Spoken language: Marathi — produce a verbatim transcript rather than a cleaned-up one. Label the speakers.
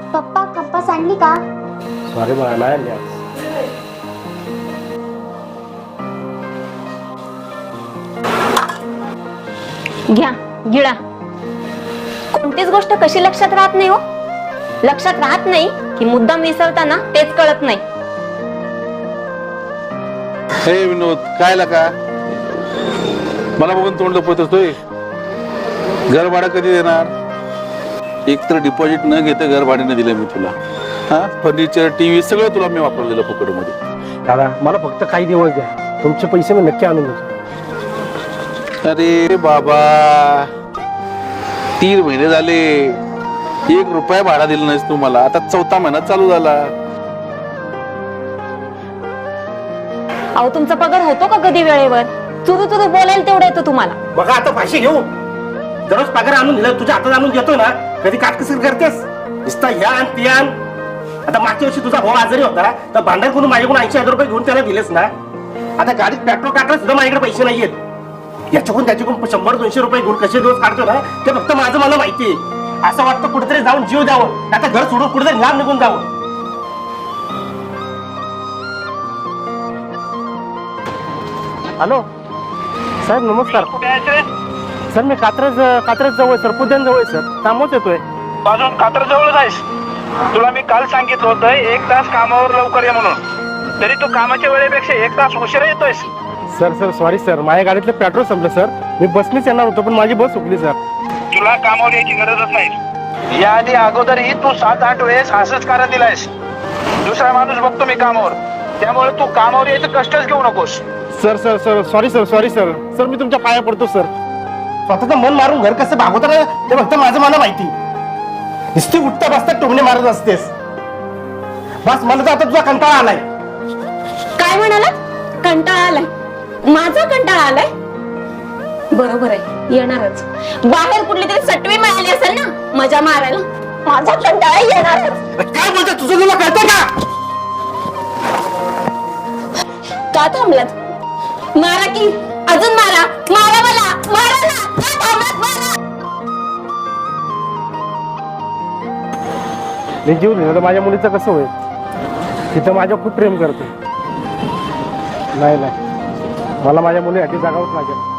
Speaker 1: पप्पा कंपास आणली का?
Speaker 2: सॉरी मला नाही आणली आज.
Speaker 3: घ्या गिळा. कोणतीच गोष्ट कशी लक्षात राहत नाही हो. लक्षात राहत नाही की मुद्दाम विसरताना तेच कळत नाही.
Speaker 4: हे विनोद काय लका मला बघून तोंड लपवत असतोय. घर भाडं कधी देणार? एक तर डिपॉझिट न घेता घर भाड्याने दिलं मी तुला. हा फर्निचर टीव्ही सगळं तुला मी वापरून दिलं फुकट मध्ये.
Speaker 2: दादा मला फक्त काही दिवस द्या, तुमचे पैसे मी नक्की आणून देतो.
Speaker 4: अरे बाबा तीन महिने झाले एक रुपया भाडा दिला नाहीस तू मला. आता चौथा महिना चालू झाला.
Speaker 3: अहो तुमचा पगार होतो का कधी वेळेवर? चुरू चुरू बोलायला तेवढं येतं तुम्हाला.
Speaker 2: बघा आता फाशी घेऊ. दररोज पगार आणून दिला तुझ्या हातात आणून देतोय ना, कधी काटकसर करतेस नुसता ह्या आण ते आण. आता मागच्या वर्षी तुझा भाऊ आजारी होता तर भांडण करून माझ्याकडून ऐंशी हजार रुपये घेऊन त्याला दिलेस ना. आता गाडीत पेट्रोल टाकलं सुद्धा माझ्याकडे पैसे नाहीयेत. याच्याकडून त्याच्याकडून शंभर दोनशे रुपये घेऊन कसे दिवस काढतो ना ते फक्त माझं मला माहितीये. असं वाटतं कुठेतरी जाऊन जीव द्यावं, आता घर सोडून कुठेतरी लांब निघून जावं. हॅलो साहेब नमस्कार. सर मी कात्रज कात्रज जवळ सर, पुद्यान जवळ सर, कामच येतोय.
Speaker 5: अजून कात्र जवळच आहेस. तुला मी काल सांगितलं होतं एक तास कामावर लवकर ये म्हणून, तरी तू कामाच्या वेळेपेक्षा एक तास उशिरा येतोयस.
Speaker 2: सर सर सॉरी सर, माझ्या गाडीतलं पेट्रोल संपलं सर. मी बसनीच येणार होतो पण माझी बस चुकली सर.
Speaker 5: तुला कामावर यायची गरजच नाही. याआधी अगोदरही तू सात आठ वेळेस असंच कारण दिलायस. दुसरा माणूस बघतो मी कामावर, त्यामुळे तू कामावर यायचं कष्टच घेऊ नकोस.
Speaker 2: Sir sir sir sorry sir sorry sir sir मी तुमच्या पाया पडतो सर. स्वतःचं मन मारून घर कसं भागवत ना ते फक्त माझं मला माहिती. नुसती उठता बसता टोमणे मारत असतेस. बस मला तर आता तुझा कंटाळा आलाय.
Speaker 3: काय म्हणाला? कंटाळा आलाय? माझा कंटाळा आलाय? बरोबर आहे, येणारच. बाहेर कुठली तरी सटवी मिळाली असेल ना मजा मारायला, माझा कंटाळा येणारच.
Speaker 2: काय बोलतो तुझं, तुला कळतं का?
Speaker 3: का थांबलात? मारा की अजून मारा, मारा मला, मारा ना. का थांबलात? मारा.
Speaker 2: मी जीव दिला तर माझ्या मुलीचं कसं होईल? तिथं माझ्या खूप प्रेम करते. नाही नाही मला माझ्या मुलीसाठी जगावंच लागेल.